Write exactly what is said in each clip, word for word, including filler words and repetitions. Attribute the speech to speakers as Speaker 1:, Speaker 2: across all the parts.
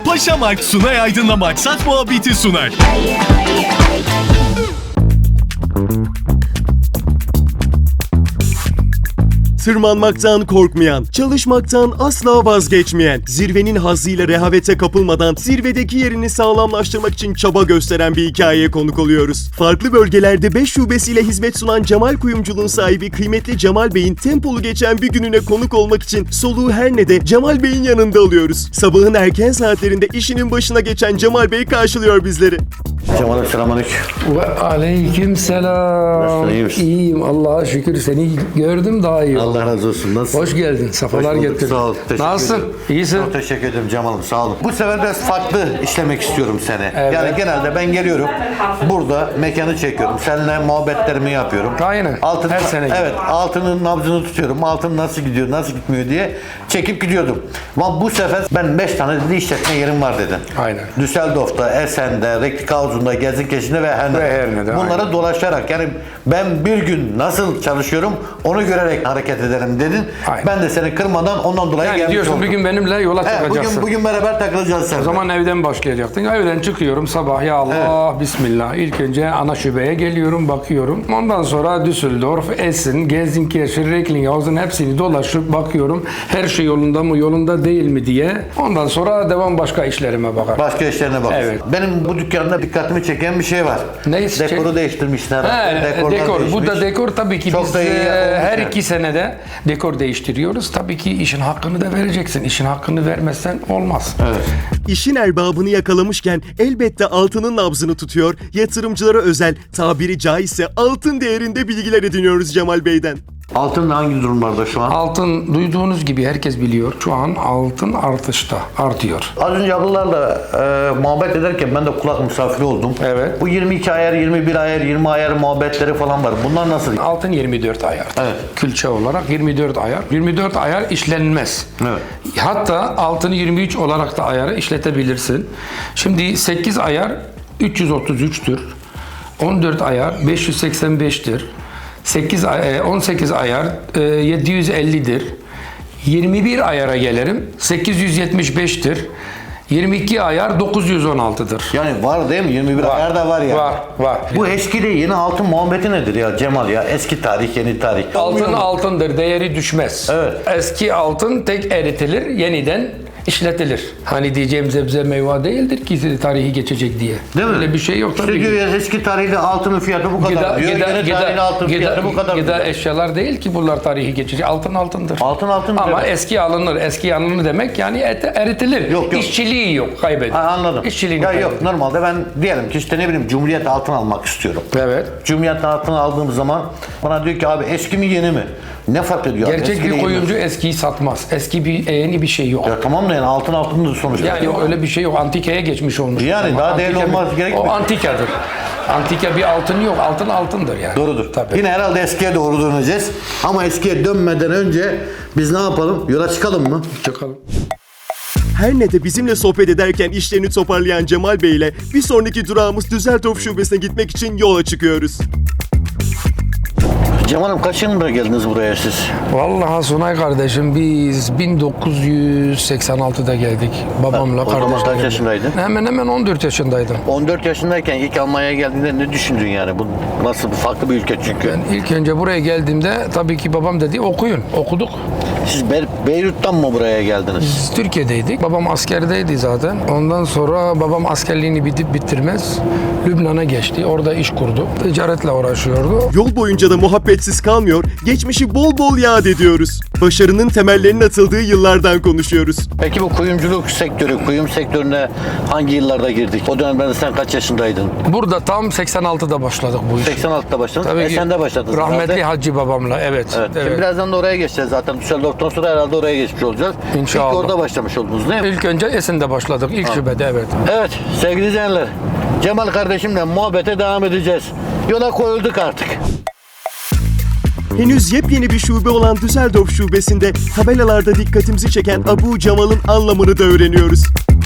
Speaker 1: Paşamark Sunay Aydın'la Maksat Muhabbeti sunar.
Speaker 2: Tırmanmaktan korkmayan, çalışmaktan asla vazgeçmeyen, zirvenin hazzıyla rehavete kapılmadan zirvedeki yerini sağlamlaştırmak için çaba gösteren bir hikayeye konuk oluyoruz. Farklı bölgelerde beş şubesiyle hizmet sunan Cemal Kuyumculuğun sahibi kıymetli Cemal Bey'in tempolu geçen bir gününe konuk olmak için soluğu her ne de Cemal Bey'in yanında alıyoruz. Sabahın erken saatlerinde işinin başına geçen Cemal Bey karşılıyor bizleri.
Speaker 3: Cemal'im selamünaleyküm.
Speaker 4: Ve aleyküm selam.
Speaker 3: Nasılsın, iyi misin?
Speaker 4: İyiyim Allah'a şükür, seni gördüm daha iyi.
Speaker 3: Allah razı olsun. Nasılsın?
Speaker 4: Hoş geldin, safalar
Speaker 3: Hoş bulduk,
Speaker 4: getirdin.
Speaker 3: Sağ ol. Teşekkür
Speaker 4: Nasılsın?
Speaker 3: ederim.
Speaker 4: İyisin?
Speaker 3: Çok teşekkür ederim Cemal'im, sağ olun. Bu sefer biraz farklı işlemek istiyorum seni.
Speaker 4: Evet.
Speaker 3: Yani genelde ben geliyorum, burada mekanı çekiyorum. Seninle muhabbetlerimi yapıyorum.
Speaker 4: Aynen,
Speaker 3: Altın,
Speaker 4: her sene gibi.
Speaker 3: Evet, altının nabzını tutuyorum. Altın nasıl gidiyor, nasıl gitmiyor diye çekip gidiyordum. Ama bu sefer ben beş tane dedi işletme yerim var dedin.
Speaker 4: Aynen.
Speaker 3: Düsseldorf'ta, Esen'de, Recklinghausen'da, Gelsenkirchen'de ve Herne'de.
Speaker 4: Ve Herne'de,
Speaker 3: Bunlara
Speaker 4: aynen.
Speaker 3: dolaşarak, yani ben bir gün nasıl çalışıyorum onu görerek hareket ederim dedin.
Speaker 4: Aynen.
Speaker 3: Ben de seni kırmadan ondan dolayı
Speaker 4: Yani
Speaker 3: gelmiş
Speaker 4: diyorsun
Speaker 3: oldum.
Speaker 4: bugün benimle yola
Speaker 3: He,
Speaker 4: çıkacaksın.
Speaker 3: bugün, bugün beraber takılacağız sen.
Speaker 4: O zaman evden başlayacaktın. Evden çıkıyorum sabah, ya Allah, Bismillah. İlk önce ana şubeye geliyorum, bakıyorum. Ondan sonra Düsseldorf, Essen, Gelsenkirchen, Recklinghausen hepsini dolaşıp bakıyorum. Her şey yolunda mı, yolunda değil mi diye. Ondan sonra devam başka işlerime bakar.
Speaker 3: Başka işlerine bak.
Speaker 4: Evet.
Speaker 3: Benim bu dükkanda dikkatimi çeken bir şey var.
Speaker 4: Ne
Speaker 3: Dekoru
Speaker 4: çek-
Speaker 3: değiştirmişler.
Speaker 4: He,
Speaker 3: Dekorlar
Speaker 4: dekor. Bu da
Speaker 3: değişmiş.
Speaker 4: dekor tabii ki
Speaker 3: Çok
Speaker 4: biz
Speaker 3: da iyi
Speaker 4: e,
Speaker 3: yapılmış
Speaker 4: her
Speaker 3: yani.
Speaker 4: iki senede dekor değiştiriyoruz. Tabii ki işin hakkını da vereceksin. İşin hakkını vermezsen olmaz.
Speaker 3: Evet.
Speaker 2: İşin erbabını yakalamışken elbette altının nabzını tutuyor, yatırımcılara özel, tabiri caizse altın değerinde bilgiler ediniyoruz Cemal Bey'den.
Speaker 3: Altın hangi durumlarda şu an?
Speaker 4: Altın duyduğunuz gibi herkes biliyor. Şu an altın artışta, artıyor.
Speaker 3: Az önce ablalarla e, muhabbet ederken ben de kulak misafiri oldum.
Speaker 4: Evet.
Speaker 3: Bu yirmi iki ayar, yirmi bir ayar, yirmi ayar muhabbetleri falan var. Bunlar nasıl?
Speaker 4: Altın yirmi dört ayar.
Speaker 3: Evet.
Speaker 4: Külçe olarak yirmi dört ayar. yirmi dört ayar işlenmez.
Speaker 3: Evet.
Speaker 4: Hatta altını yirmi üç olarak da ayarı işletebilirsin. Şimdi sekiz ayar üç yüz otuz üçtür. on dört ayar beş yüz seksen beştir. sekiz, on sekiz ayar yedi yüz ellidir. yirmi bir ayara gelirim. sekiz yüz yetmiş beştir. yirmi iki ayar dokuz yüz on altıdır.
Speaker 3: Yani var değil mi? yirmi bir ayar da var ya.
Speaker 4: Var, var.
Speaker 3: Bu eski de yeni altın muhabbeti nedir ya Cemal ya? Eski tarih, yeni tarih.
Speaker 4: Altın altındır, değeri düşmez.
Speaker 3: Evet.
Speaker 4: Eski altın tek eritilir, yeniden işletilir. Hani diyeceğim zebze meyve değildir ki tarihi geçecek diye.
Speaker 3: Değil mi?
Speaker 4: Öyle bir şey yok
Speaker 3: İşte
Speaker 4: tabii
Speaker 3: diyor
Speaker 4: ki.
Speaker 3: ya, eski tarihli altının fiyatı bu kadar
Speaker 4: Gıda,
Speaker 3: diyor.
Speaker 4: gıda,
Speaker 3: Yeni tarihli
Speaker 4: gıda,
Speaker 3: altın fiyatı bu kadar
Speaker 4: gıda
Speaker 3: diyor.
Speaker 4: eşyalar değil ki bunlar tarihi geçecek. Altın altındır.
Speaker 3: Altın altın
Speaker 4: Ama
Speaker 3: evet.
Speaker 4: eski alınır. Eski alınır demek yani et, eritilir.
Speaker 3: Yok, yok.
Speaker 4: İşçiliği yok, kaybeder.
Speaker 3: Ha, anladım.
Speaker 4: İşçiliğini
Speaker 3: Ya
Speaker 4: kaybeder.
Speaker 3: yok, normalde ben diyelim ki işte ne bileyim Cumhuriyet altın almak istiyorum.
Speaker 4: Evet.
Speaker 3: Cumhuriyet altın aldığım zaman bana diyor ki abi eski mi yeni mi? Ne fark ediyor? abi?
Speaker 4: Gerçek
Speaker 3: Eski
Speaker 4: bir
Speaker 3: de yeni mi?
Speaker 4: kuyumcu eskiyi satmaz. Eski bir yeni bir şey yok.
Speaker 3: Ya tamam da yani altın altındır sonuçta.
Speaker 4: Yani yok, öyle bir şey yok. Antikaya geçmiş olmuş.
Speaker 3: Yani
Speaker 4: Ama
Speaker 3: daha değerli
Speaker 4: antika bir-
Speaker 3: olmaz gerekmiyor.
Speaker 4: O antikadır. Antika bir altın yok. Altın altındır yani.
Speaker 3: Doğrudur.
Speaker 4: Tabii.
Speaker 3: Yine herhalde eskiye doğru döneceğiz. Ama eskiye dönmeden önce biz ne yapalım? Yola çıkalım mı?
Speaker 4: Çıkalım.
Speaker 2: Her ne de bizimle sohbet ederken işlerini toparlayan Cemal Bey ile bir sonraki durağımız Düsseldorf şubesine gitmek için yola çıkıyoruz.
Speaker 3: Cemal'im kaç yılında geldiniz buraya siz?
Speaker 4: Vallahi Sunay kardeşim biz bin dokuz yüz seksen altıda geldik. Babamla
Speaker 3: O zaman
Speaker 4: kardeşle
Speaker 3: kaç
Speaker 4: geldik.
Speaker 3: yaşındaydın?
Speaker 4: Hemen hemen on dört yaşındaydım.
Speaker 3: on dört yaşındayken ilk Almanya'ya geldiğinde ne düşündün yani? Bu nasıl bir farklı bir ülke çünkü.
Speaker 4: Ben ilk önce buraya geldiğimde tabii ki babam dedi okuyun. Okuduk.
Speaker 3: Siz Be- Beyrut'tan mı buraya geldiniz?
Speaker 4: Biz Türkiye'deydik. Babam askerdeydi zaten. Ondan sonra babam askerliğini bitip bitirmez Lübnan'a geçti. Orada iş kurdu. Ticaretle uğraşıyordu.
Speaker 2: Yol boyunca da muhabbetsiz kalmıyor, geçmişi bol bol yad ediyoruz. Başarının temellerinin atıldığı yıllardan konuşuyoruz.
Speaker 3: Peki bu kuyumculuk sektörü, kuyum sektörüne hangi yıllarda girdik? O dönemde sen kaç yaşındaydın?
Speaker 4: Burada tam seksen altıda başladık bu iş.
Speaker 3: seksen altıda başladın.
Speaker 4: Tabii ki
Speaker 3: Esen'de başladınız.
Speaker 4: rahmetli
Speaker 3: herhalde.
Speaker 4: Hacı babamla, evet.
Speaker 3: Evet.
Speaker 4: evet.
Speaker 3: Şimdi birazdan da oraya geçeceğiz zaten. Düsseldorf'tan sonra herhalde oraya geçmiş olacağız.
Speaker 4: İnşallah.
Speaker 3: İlk orada başlamış oldunuz değil mi?
Speaker 4: İlk önce Esen'de başladık. İlk şubede, evet.
Speaker 3: Evet sevgili izleyenler. Cemal kardeşimle muhabbete devam edeceğiz. Yola koyulduk artık.
Speaker 2: Henüz yepyeni bir şube olan Düsseldorf şubesinde tabelalarda dikkatimizi çeken Abu Cemal'ın anlamını da öğreniyoruz.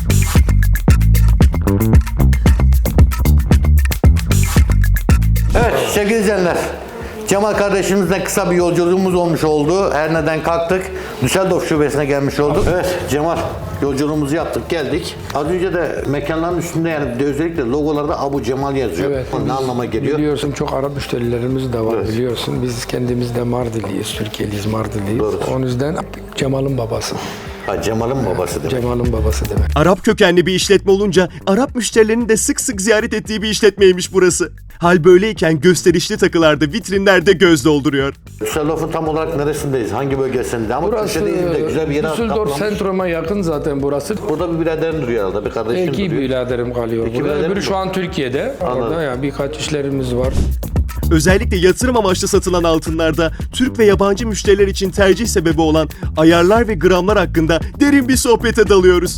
Speaker 3: Evet sevgili izleyenler. Cemal kardeşimizle kısa bir yolculuğumuz olmuş oldu. Her neden kalktık. Düsseldorf şubesine gelmiş olduk. Evet Cemal Yolculuğumuzu yaptık, geldik. Az önce de mekanların üstünde yani de özellikle logolarda Abu Cemal yazıyor.
Speaker 4: Evet,
Speaker 3: O ne
Speaker 4: biz
Speaker 3: anlama geliyor?
Speaker 4: Biliyorsun çok Arap müşterilerimiz de var
Speaker 3: Evet.
Speaker 4: biliyorsun. Biz kendimiz de Mardinliyiz, Türkiye'liyiz, Mardinliyiz.
Speaker 3: Doğru.
Speaker 4: O yüzden Cemal'in babası.
Speaker 3: Ha, Cemal'in babası demek.
Speaker 4: Cemal'in babası demek.
Speaker 2: Arap kökenli bir işletme olunca Arap müşterilerinin de sık sık ziyaret ettiği bir işletmeymiş burası. Hal böyleyken gösterişli takılarda, vitrinlerde göz dolduruyor.
Speaker 3: Düsseldorf'un tam olarak neresindeyiz? Hangi bölgesinde? Ama
Speaker 4: Burası
Speaker 3: köşedeyiz de güzel bir yere
Speaker 4: Düsseldorf
Speaker 3: atlamış.
Speaker 4: Sentrum'a yakın zaten burası.
Speaker 3: Burada bir biraderin duruyor herhalde, bir kardeşim
Speaker 4: İki
Speaker 3: duruyor.
Speaker 4: biraderim kalıyor
Speaker 3: İki
Speaker 4: burada.
Speaker 3: biraderim
Speaker 4: Öbürü
Speaker 3: mi?
Speaker 4: şu an Türkiye'de.
Speaker 3: Anladım.
Speaker 4: Orada ya birkaç işlerimiz var.
Speaker 2: Özellikle yatırım amaçlı satılan altınlarda Türk ve yabancı müşteriler için tercih sebebi olan ayarlar ve gramlar hakkında derin bir sohbete dalıyoruz.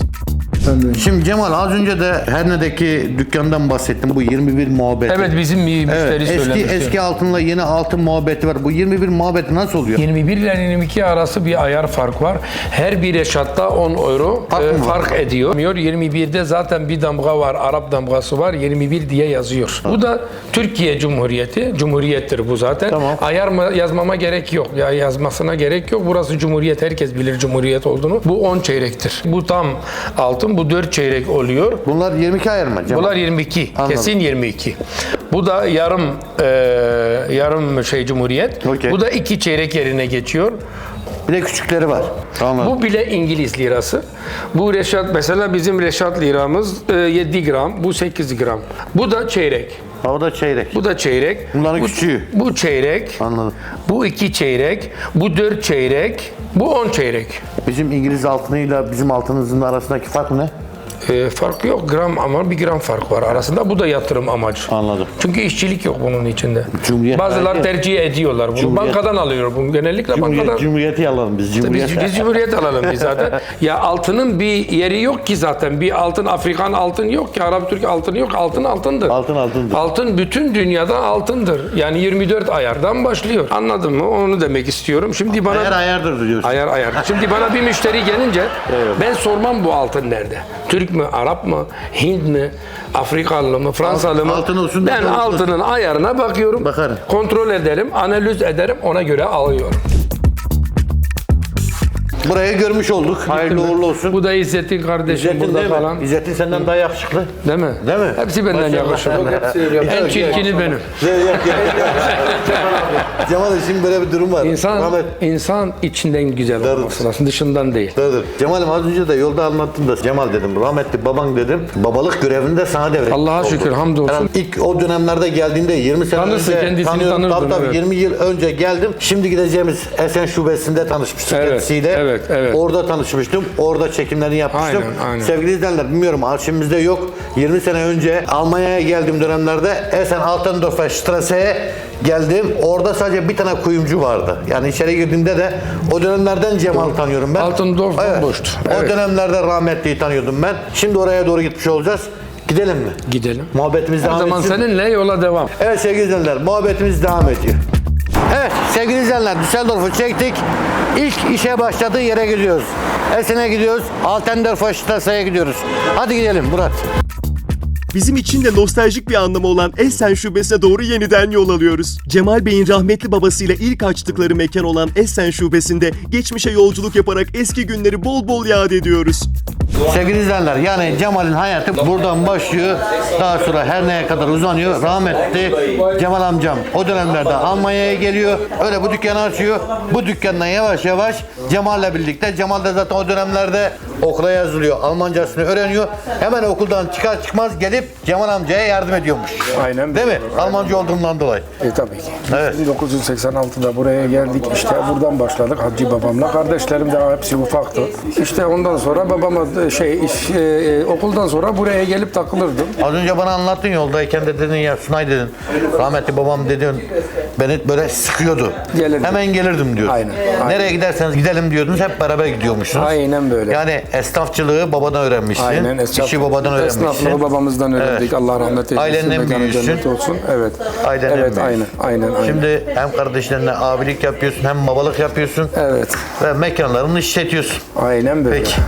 Speaker 3: Şimdi Cemal az önce de Herne'deki dükkandan bahsettim. Bu yirmi bir muhabbeti.
Speaker 4: Evet bizim bir müşteri
Speaker 3: Evet, eski,
Speaker 4: söylemişti.
Speaker 3: eski altınla yeni altın muhabbeti var. Bu yirmi bir muhabbeti nasıl oluyor?
Speaker 4: yirmi bir ile yirmi iki arası bir ayar fark var. Her bir eşatta on euro
Speaker 3: Fark
Speaker 4: e,
Speaker 3: mı var?
Speaker 4: fark ediyor. yirmi birde zaten bir damga var, Arap damgası var. yirmi bir diye yazıyor. Bu da Türkiye Cumhuriyeti. Cumhuriyettir bu zaten.
Speaker 3: Tamam.
Speaker 4: Ayar mı yazmama gerek yok. Ya yazmasına gerek yok. Burası Cumhuriyet. Herkes bilir Cumhuriyet olduğunu. Bu on çeyrektir. Bu tam altın. Bu dört çeyrek oluyor.
Speaker 3: Bunlar yirmi iki ayar mı Cemal?
Speaker 4: Bunlar yirmi iki.
Speaker 3: Anladım.
Speaker 4: Kesin yirmi iki. Bu da yarım e, yarım şey Cumhuriyet.
Speaker 3: Okey.
Speaker 4: Bu da iki çeyrek yerine geçiyor.
Speaker 3: Bir de küçükleri var. Anladım.
Speaker 4: Bu bile İngiliz lirası. Bu Reşat mesela bizim Reşat liramız e, yedi gram. Bu sekiz gram. Bu da çeyrek.
Speaker 3: Ha, o da çeyrek.
Speaker 4: Bu da çeyrek.
Speaker 3: Bunların
Speaker 4: bu,
Speaker 3: küçüğü.
Speaker 4: Bu çeyrek.
Speaker 3: Anladım.
Speaker 4: Bu iki çeyrek. Bu dört çeyrek. Bu on çeyrek.
Speaker 3: Bizim İngiliz altınıyla bizim altınımızın arasındaki fark ne?
Speaker 4: E, fark yok gram ama bir gram fark var arasında. Bu da yatırım amacı.
Speaker 3: Anladım.
Speaker 4: Çünkü işçilik yok bunun içinde.
Speaker 3: Cumhuriyet
Speaker 4: Bazıları
Speaker 3: belki-
Speaker 4: tercih ediyorlar bunu.
Speaker 3: Cumhuriyet-
Speaker 4: Bankadan alıyor bunu. Genellikle
Speaker 3: Cumhuriyet,
Speaker 4: bankadan.
Speaker 3: Cumhuriyeti alalım biz. Cumhuriyet.
Speaker 4: Biz, biz Cumhuriyet alalım biz zaten. Ya altının bir yeri yok ki zaten. Bir altın, Afrikan altın yok ki. Arap Türk altın yok. Altın altındır.
Speaker 3: Altın altındır.
Speaker 4: Altın bütün dünyada altındır. Yani yirmi dört ayardan başlıyor. Anladın mı? Onu demek istiyorum. Şimdi bana...
Speaker 3: Ayar ayardır diyorsun.
Speaker 4: Ayar ayar. Şimdi bana bir müşteri gelince ben sormam bu altın nerede? Türk mü, Arap mı, Hint mi, Afrikalı mı, Fransalı mı?
Speaker 3: Altın olsun,
Speaker 4: Ben
Speaker 3: ne olsun.
Speaker 4: altının ayarına bakıyorum.
Speaker 3: Bakarım.
Speaker 4: Kontrol ederim, analiz ederim, ona göre alıyorum.
Speaker 3: Burayı görmüş olduk. Hayırlı uğurlu olsun.
Speaker 4: Bu da İzzettin kardeşim
Speaker 3: İzzettin
Speaker 4: burada
Speaker 3: değil mi?
Speaker 4: falan.
Speaker 3: İzzettin senden daha yakışıklı.
Speaker 4: Değil mi?
Speaker 3: Değil mi?
Speaker 4: Hepsi benden
Speaker 3: Maşallah.
Speaker 4: yakışıklı. En
Speaker 3: Yok,
Speaker 4: çirkini
Speaker 3: yok.
Speaker 4: benim.
Speaker 3: Yok, yok, yok. Cemal şimdi böyle bir durum var.
Speaker 4: İnsan,
Speaker 3: Rahmet.
Speaker 4: insan içinden güzel
Speaker 3: Doğrudur.
Speaker 4: olması lazım, dışından değil.
Speaker 3: Dur dur. Cemal'im az önce de yolda anlattım da Cemal dedim, rahmetli baban dedim, babalık görevini de sana devretmiş
Speaker 4: Allah'a
Speaker 3: oldu.
Speaker 4: şükür, hamdolsun.
Speaker 3: Yani ilk o dönemlerde geldiğinde yirmi sene
Speaker 4: Tanırsın,
Speaker 3: önce
Speaker 4: kendisini
Speaker 3: tanıyorum.
Speaker 4: tanırdım,
Speaker 3: Tabii tabii
Speaker 4: evet.
Speaker 3: yirmi yıl önce geldim. Şimdi gideceğimiz Esen Şubesi'nde tanışmıştık
Speaker 4: Evet,
Speaker 3: kendisiyle.
Speaker 4: evet, evet.
Speaker 3: Orada tanışmıştım. Orada çekimlerini yapmıştım.
Speaker 4: Aynen, aynen.
Speaker 3: Sevgili izleyenler bilmiyorum arşivimizde yok. yirmi sene önce Almanya'ya geldiğim dönemlerde Esen Altendorfer Strasse'ye geldim. Orada sadece bir tane kuyumcu vardı. Yani içeri girdiğimde de o dönemlerden Cemal'i tanıyorum ben.
Speaker 4: Altendorf
Speaker 3: Evet.
Speaker 4: bomboştu.
Speaker 3: O
Speaker 4: Evet.
Speaker 3: dönemlerde rahmetliyi tanıyordum ben. Şimdi oraya doğru gitmiş olacağız. Gidelim mi?
Speaker 4: Gidelim.
Speaker 3: Muhabbetimiz
Speaker 4: O
Speaker 3: devam
Speaker 4: zaman
Speaker 3: etsin.
Speaker 4: seninle yola devam.
Speaker 3: Evet sevgili izleyenler muhabbetimiz devam ediyor. Evet sevgili izleyenler Düsseldorf'u çektik. İlk işe başladığı yere gidiyoruz. Esen'e gidiyoruz. Altendorfer Strasse'ye gidiyoruz. Hadi gidelim Murat.
Speaker 2: Bizim için de nostaljik bir anlamı olan Essen Şubesi'ne doğru yeniden yol alıyoruz. Cemal Bey'in rahmetli babasıyla ilk açtıkları mekan olan Essen Şubesi'nde geçmişe yolculuk yaparak eski günleri bol bol yad ediyoruz.
Speaker 3: Sevgili izleyenler yani Cemal'in hayatı buradan başlıyor. Daha sonra her neye kadar uzanıyor. Rahmetli Cemal amcam o dönemlerde Almanya'ya geliyor. Öyle bu dükkanı açıyor. Bu dükkandan yavaş yavaş Cemal'le birlikte. Cemal da zaten o dönemlerde okula yazılıyor. Almancasını öğreniyor. Hemen okuldan çıkar çıkmaz gelip Cemal amcaya yardım ediyormuş.
Speaker 4: Aynen.
Speaker 3: Değil mi? Almanca olduğundan dolayı.
Speaker 4: E tabii ki.
Speaker 3: Evet.
Speaker 4: bin dokuz yüz seksen altıda buraya geldik. İşte buradan başladık Hacı babamla. Kardeşlerim de hepsi ufaktı. İşte ondan sonra babama şey iş, e, okuldan sonra buraya gelip takılırdım.
Speaker 3: Az önce bana anlattın yoldayken de dedin ya Sunay dedin. Rahmetli babam dedin beni böyle sıkıyordu.
Speaker 4: Gelirdim.
Speaker 3: Hemen gelirdim diyordun.
Speaker 4: Aynen, aynen.
Speaker 3: Nereye giderseniz gidelim diyordunuz. Hep beraber gidiyormuşsunuz.
Speaker 4: Aynen böyle.
Speaker 3: Yani esnafçılığı babadan öğrenmişsin.
Speaker 4: Aynen. Esnaf,
Speaker 3: İşi babadan öğrenmişsin.
Speaker 4: Esnaflığı babamızdan öğrendik.
Speaker 3: Evet.
Speaker 4: Allah rahmet eylesin.
Speaker 3: Ailenden
Speaker 4: mekanı
Speaker 3: büyüyorsun.
Speaker 4: cennet olsun. Evet.
Speaker 3: Ailenden
Speaker 4: evet, aynen,
Speaker 3: büyüyorsun.
Speaker 4: aynen, aynen.
Speaker 3: Şimdi hem kardeşlerine abilik yapıyorsun hem babalık yapıyorsun.
Speaker 4: Evet.
Speaker 3: Ve mekanlarını işletiyorsun.
Speaker 4: Aynen böyle.
Speaker 3: Peki.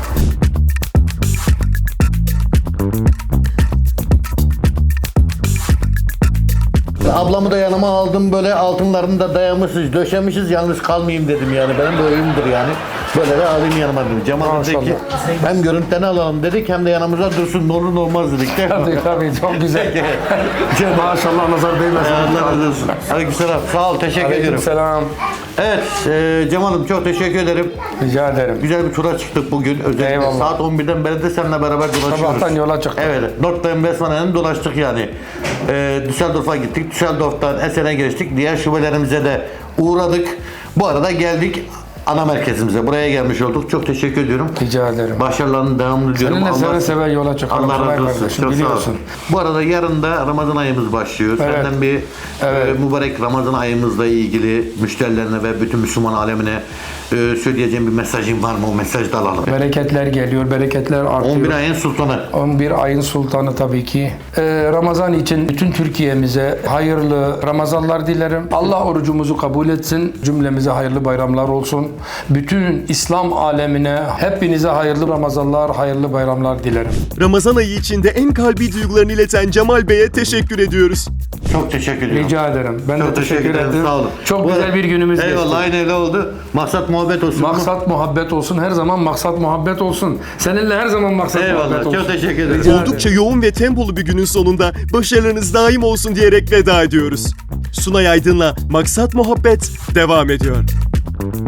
Speaker 3: Ablamı da yanıma aldım böyle altınlarını da dayamışız, döşemişiz yalnız kalmayayım dedim yani benim de oyundur yani. Böyle de alayım yanıma dedim. Cemal dedi ki hem görüntülerini alalım dedik hem de yanımıza dursun ne olur ne olmaz dedik. Değil mi?
Speaker 4: Tabii tabii çok güzel. Maşallah nazar değmesin.
Speaker 3: Allah razı olsun. Aleykümselam. Sağ ol. Teşekkür ediyorum.
Speaker 4: Selam.
Speaker 3: Evet e, Cemal'im çok teşekkür ederim.
Speaker 4: Rica ederim.
Speaker 3: Güzel bir tura çıktık bugün. Özellikle
Speaker 4: Eyvallah.
Speaker 3: saat on birden beri de seninle beraber dolaşıyoruz.
Speaker 4: Sabahtan yola çıktık.
Speaker 3: Evet. Nordheim Westfalen'den dolaştık yani. E, Düsseldorf'a gittik. Düsseldorf'tan Essen'e geçtik. Diğer şubelerimize de uğradık. Bu arada geldik ana merkezimize. Buraya gelmiş olduk. Çok teşekkür ediyorum.
Speaker 4: Rica ederim.
Speaker 3: Başarılarını devamlı diliyorum.
Speaker 4: Seninle seve seve yola çıkalım.
Speaker 3: Allah razı olsun.
Speaker 4: Kardeşim,
Speaker 3: Çok sağ
Speaker 4: biliyorsun.
Speaker 3: olun. Bu arada yarın da Ramazan ayımız başlıyor.
Speaker 4: Evet.
Speaker 3: Senden bir
Speaker 4: Evet.
Speaker 3: e, mübarek Ramazan ayımızla ilgili müşterilerine ve bütün Müslüman alemine e, söyleyeceğim bir mesajın var mı? O mesajı da alalım.
Speaker 4: Bereketler geliyor, bereketler artıyor.
Speaker 3: on bir ayın sultanı.
Speaker 4: on bir ayın sultanı tabii ki. Ee, Ramazan için bütün Türkiye'mize hayırlı Ramazanlar dilerim. Allah orucumuzu kabul etsin. Cümlemize hayırlı bayramlar olsun. Bütün İslam alemine hepinize hayırlı Ramazanlar, hayırlı bayramlar dilerim.
Speaker 2: Ramazan ayı içinde en kalbi duygularını ileten Cemal Bey'e teşekkür ediyoruz.
Speaker 3: Çok teşekkür ediyorum.
Speaker 4: Rica ederim. Ben
Speaker 3: Çok
Speaker 4: de teşekkür, ederim.
Speaker 3: Sağ olun.
Speaker 4: Çok
Speaker 3: Bu
Speaker 4: güzel
Speaker 3: arada-
Speaker 4: bir günümüz geçti.
Speaker 3: Eyvallah aynı öyle oldu. Maksat muhabbet olsun.
Speaker 4: Maksat muhabbet olsun. Her zaman maksat muhabbet olsun. Seninle her zaman maksat
Speaker 3: Eyvallah.
Speaker 4: muhabbet olsun.
Speaker 3: Çok teşekkür ederim.
Speaker 4: Rica
Speaker 2: Oldukça yoğun ve tempolu bir günün sonunda başarılarınız daim olsun diyerek veda ediyoruz. Sunay Aydın'la Maksat Muhabbet devam ediyor.